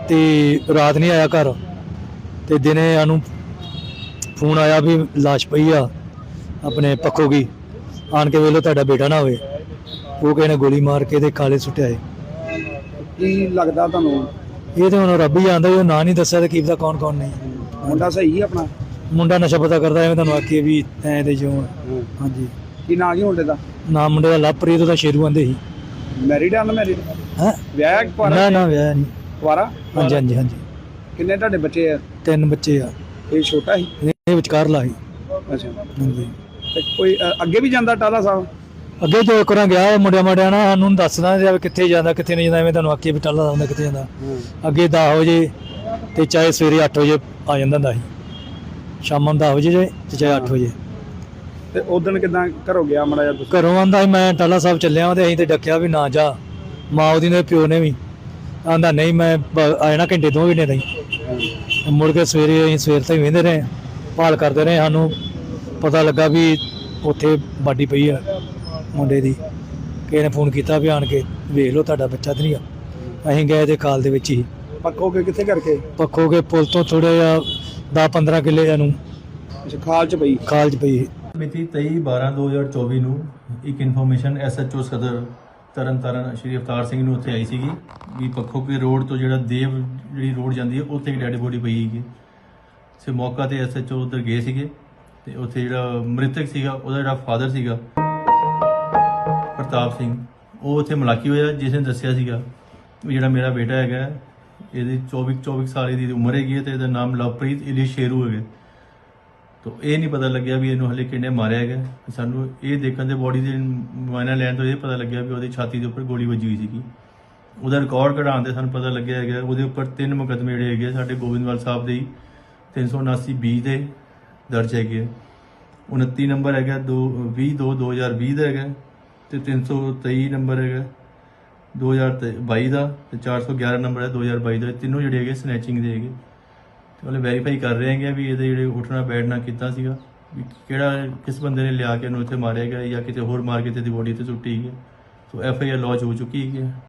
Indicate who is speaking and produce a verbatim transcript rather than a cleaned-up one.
Speaker 1: ਤੇ ਰਾਤ ਨਹੀਂ ਆਇਆ ਘਰ ਤੇ ਦਿਨੇ ਸਾਨੂੰ ਫੋਨ ਆਇਆ ਵੀ ਲਾਸ਼ ਪਈ ਆ ਆਪਣੇ ਪੱਖੋਂ ਕੀ ਆਣ ਕੇ ਵੇਲੋ ਤੁਹਾਡਾ ਬੇਟਾ ਨਾ ਹੋਵੇ। ਉਹ ਕਿਸੇ ਨੇ ਗੋਲੀ ਮਾਰ ਕੇ ਤੇ ਕਾਲੇ ਸੁੱਟਿਆ ਏ।
Speaker 2: ਕੀ ਲੱਗਦਾ ਤੁਹਾਨੂੰ?
Speaker 1: ਇਹ ਤੇ ਹੁਣ ਰੱਬ ਹੀ ਜਾਣਦਾ, ਉਹ ਨਾਂ ਨਹੀਂ ਦੱਸਿਆ ਤੇ ਕੀ ਪਤਾ ਕੌਣ ਕੌਣ ਨਹੀਂ।
Speaker 2: ਮੁੰਡਾ ਸਹੀ ਆਪਣਾ?
Speaker 1: ਮੁੰਡਾ ਨਸ਼ਾ ਪਤਾ ਕਰਦਾ ਐਵੇਂ ਤੁਹਾਨੂੰ ਆਖੀਏ ਵੀ ਐਂ ਤੇ ਜਿਉਂ। ਹਾਂਜੀ।
Speaker 2: ਕੀ ਨਾਂ ਕੀ ਮੁੰਡੇ ਦਾ?
Speaker 1: ਨਾਮ ਮੁੰਡੇ ਦਾ ਲਵਪ੍ਰੀਤ, ਉਹਦਾ ਸ਼ੇਰੂ ਆਂਦੇ ਸੀ।
Speaker 2: ਮੈਰਿਡ ਆ? ਅਨਮੈਰਿਡ?
Speaker 1: ਹੈਂ?
Speaker 2: ਵਿਆਹ ਕਿ ਕੁਆਰਾ?
Speaker 1: ਨਾ ਨਾ ਵਿਆਹ ਨਹੀਂ।
Speaker 2: ਕੁਆਰਾ?
Speaker 1: ਹਾਂਜੀ ਹਾਂਜੀ ਹਾਂਜੀ।
Speaker 2: ਕਿੰਨੇ ਤੁਹਾਡੇ ਬੱਚੇ ਆ?
Speaker 1: ਤਿੰਨ ਬੱਚੇ ਆ।
Speaker 2: ਇਹ ਛੋਟਾ ਸੀ?
Speaker 1: ਇਹ ਵਿਚਕਾਰਲਾ ਸੀ।
Speaker 2: ਅੱਛਾ।
Speaker 1: ਹਾਂਜੀ।
Speaker 2: ਤੇ ਕੋਈ ਅ, ਅੱਗੇ ਵੀ ਜਾਂਦਾ ਟਾਲਾ ਸਾਹਿਬ?
Speaker 1: ਅੱਗੇ ਜੋ ਕਰਾਂ ਗਿਆ ਮੁੰਡਿਆਂ ਮੁੰਡਿਆਂ ਨਾਲ ਸਾਨੂੰ ਦੱਸਦਾ ਜਾਂ ਕਿੱਥੇ ਜਾਂਦਾ ਕਿੱਥੇ ਨਹੀਂ ਜਾਂਦਾ, ਐਵੇਂ ਤੁਹਾਨੂੰ ਆਖੀਏ ਵੀ ਟਾਲਾ ਹੁੰਦਾ ਕਿੱਥੇ ਜਾਂਦਾ। ਅੱਗੇ ਦਸ ਵਜੇ ਤੇ ਚਾਹੇ ਸਵੇਰੇ ਅੱਠ ਵਜੇ ਆ ਜਾਂਦਾ ਹੁੰਦਾ ਸੀ, ਸ਼ਾਮਾਂ ਨੂੰ ਦਸ ਵਜੇ ਜੇ ਤੇ ਚਾਹੇ ਅੱਠ ਵਜੇ।
Speaker 2: ਤੇ ਉਦੋਂ ਕਿਦਾਂ ਘਰੋਂ ਗਿਆ ਮਾੜਾ ਜਿਹਾ ਤੁਸੀਂ?
Speaker 1: ਘਰੋਂ ਆਂਦਾ ਸੀ ਮੈਂ ਟਾਲਾ ਸਾਹਿਬ ਚੱਲਿਆ ਵਾਂ ਤੇ ਅਸੀਂ ਤੇ ਡੱਕਿਆ ਵੀ ਨਾ ਜਾ। ਮਾਂ ਉਹਦੀ ਨੇ ਪਿਓ ਨੇ ਵੀ ਆਂਦਾ ਨਹੀਂ ਮੈਂ ਬ- ਆ ਜਾਣਾ ਘੰਟੇ ਦੋ ਘੰਟੇ ਤਾਈਂ। ਮੁੜ ਕੇ ਸਵੇਰੇ ਅਸੀਂ ਸਵੇਰ ਤਾਈਂ ਵਹਿੰਦੇ ਰਹੇ, ਭਾਲ ਕਰਦੇ ਰਹੇ। ਸਾਨੂੰ ਪਤਾ ਲੱਗਾ ਵੀ ਉੱਥੇ ਬਾਡੀ ਪਈ ਆ ਮੁੰਡੇ ਦੀ। ਕਿਸੇ ਨੇ ਫੋਨ ਕੀਤਾ ਵੀ ਆਣ ਕੇ ਵੇਖ ਲਓ ਤੁਹਾਡਾ ਬੱਚਾ ਤਾਂ ਨਹੀਂ ਆ। ਅਸੀਂ ਗਏ ਤੇ ਕਾਲ ਦੇ ਵਿੱਚ ਹੀ
Speaker 2: ਪੱਕੋ ਕੇ ਕਿੱਥੇ ਕਰਕੇ?
Speaker 1: ਪੱਖੋ ਕੇ ਪੁਲ ਤੋਂ ਥੋੜ੍ਹਾ ਜਿਹਾ ਦਸ ਪੰਦਰਾਂ ਕਿੱਲੇ ਨੂੰ
Speaker 2: ਅੱਛਾ, ਖਾਲ ਚ ਪਈ?
Speaker 1: ਖਾਲ 'ਚ ਪਈ।
Speaker 3: ਮਿਤੀ ਤੇਈ ਬਾਰਾਂ ਦੋ ਹਜ਼ਾਰ ਚੌਵੀ ਨੂੰ ਇੱਕ ਇਨਫੋਰਮੇਸ਼ਨ ਐਸਐਚਓ ਸਦਰ ਤਰਨ ਤਾਰਨ ਸ਼੍ਰੀ ਅਵਤਾਰ ਸਿੰਘ ਨੂੰ ਉੱਥੇ ਆਈ ਸੀਗੀ ਵੀ ਪੱਖੋ ਕੇ ਰੋਡ ਤੋਂ ਜਿਹੜਾ ਦੇਵ ਜਿਹੜੀ ਰੋਡ ਜਾਂਦੀ ਹੈ ਉੱਥੇ ਇੱਕ ਡੈਡ ਬੋਡੀ ਪਈ ਸੀਗੀ। ਸੇ ਮੌਕਾ ਤੇ ਐਸਐਚਓ ਉੱਧਰ ਗਏ ਸੀਗੇ ਤੇ ਉੱਥੇ ਜਿਹੜਾ ਮ੍ਰਿਤਕ ਸੀਗਾ ਉਹਦਾ ਜਿਹੜਾ ਫਾਦਰ ਸੀਗਾ ਪ੍ਰਤਾਪ ਸਿੰਘ, ਉਹ ਉੱਥੇ ਮੁਲਾਕੀ ਹੋਇਆ, ਜਿਸ ਨੇ ਦੱਸਿਆ ਸੀਗਾ ਵੀ ਜਿਹੜਾ ਮੇਰਾ ਬੇਟਾ ਹੈਗਾ ਇਹਦੀ ਚੌਵੀ ਚੌਵੀ ਸਾਲ ਦੀ ਉਮਰ ਹੈਗੀ ਤੇ ਇਹਦਾ ਨਾਮ ਲਵਪ੍ਰੀਤ ਇਲੀ ਸ਼ੇਰੂ ਹੈਗਾ। ਤੋ ਇਹ ਨਹੀਂ ਪਤਾ ਲੱਗਿਆ ਵੀ ਇਹਨੂੰ ਹਲੇ ਕਿੰਨੇ ਮਾਰਿਆ ਹੈਗਾ। ਸਾਨੂੰ ਇਹ ਦੇਖਣ ਦੇ ਬੋਡੀ ਦੇ ਮੁਆਇਨਾ ਲੈਣ ਤੋਂ ਇਹ ਪਤਾ ਲੱਗਿਆ ਵੀ ਉਹਦੀ ਛਾਤੀ ਦੇ ਉੱਪਰ ਗੋਲੀ ਵੱਜੀ ਹੋਈ ਸੀਗੀ। ਉਹਦਾ ਰਿਕਾਰਡ ਕਢਾਉਣ ਦੇ ਸਾਨੂੰ ਪਤਾ ਲੱਗਿਆ ਹੈਗਾ ਉਹਦੇ ਉੱਪਰ ਤਿੰਨ ਮੁਕੱਦਮੇ ਜਿਹੜੇ ਹੈਗੇ ਸਾਡੇ ਗੋਬਿੰਦਵਾਲ ਸਾਹਿਬ ਦੇ ਤਿੰਨ ਸੌ ਉਨਾਸੀ ਬੀ ਦੇ ਦਰਜ ਹੈਗੇ। ਉਨੱਤੀ ਨੰਬਰ ਹੈਗਾ ਦੋ ਵੀਹ ਦੋ ਦੋ ਹਜ਼ਾਰ ਵੀਹ ਦਾ ਹੈਗਾ ਤੇ ਤਿੰਨ ਸੌ ਤੇਈ ਨੰਬਰ ਹੈਗਾ ਦੋ ਹਜ਼ਾਰ ਬਾਈ ਦਾ ਤੇ ਚਾਰ ਸੌ ਗਿਆਰਾਂ ਨੰਬਰ ਹੈ ਦੋ ਹਜ਼ਾਰ ਬਾਈ ਦਾ। ਤਿੰਨੋਂ ਜਿਹੜੇ ਹੈਗੇ ਸਨੈਚਿੰਗ ਦੇ ਹੈਗੇ। ਤੇ ਉਹਨੇ ਵੈਰੀਫਾਈ ਕਰ ਰਹੇ ਹੈਗੇ ਵੀ ਇਹਦੇ ਜਿਹੜੇ ਉੱਠਣਾ ਬੈਠਣਾ ਕੀਤਾ ਸੀਗਾ, ਵੀ ਕਿਹੜਾ ਕਿਸ ਬੰਦੇ ਨੇ ਲਿਆ ਕੇ ਇਹਨੂੰ ਇੱਥੇ ਮਾਰਿਆ ਗਿਆ ਜਾਂ ਕਿਤੇ ਹੋਰ ਮਾਰ ਕੇ ਤੇ ਦੀ ਬੋਡੀ ਤੇ ਸੁੱਟੀ ਹੈ। So F I R launch ਹੋ ਚੁੱਕੀ ਹੈ।